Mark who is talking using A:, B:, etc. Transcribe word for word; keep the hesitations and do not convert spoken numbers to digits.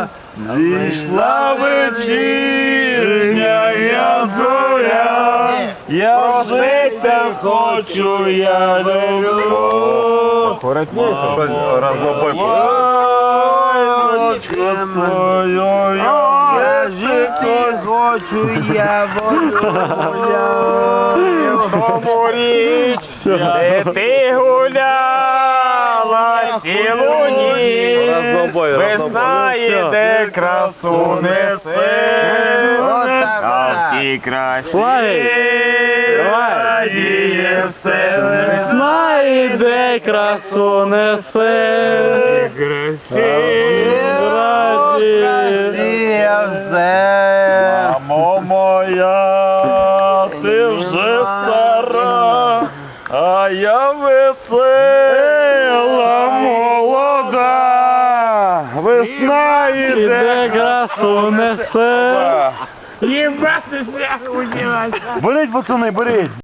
A: Зійшла вечірня я зоря, я жити хочу, я люблю.
B: Коротніше, розлобой.
A: Я жити хочу, я говорить, де ти гуляла цілу ніч, весна іде, красу несе, а в тій красі радіє все.
C: Весна іде, красу несе,
A: Мамо моя, ти вже стара, а я весела, молода. Весна іде,
C: красу несе.
A: Болить, пацани, болить.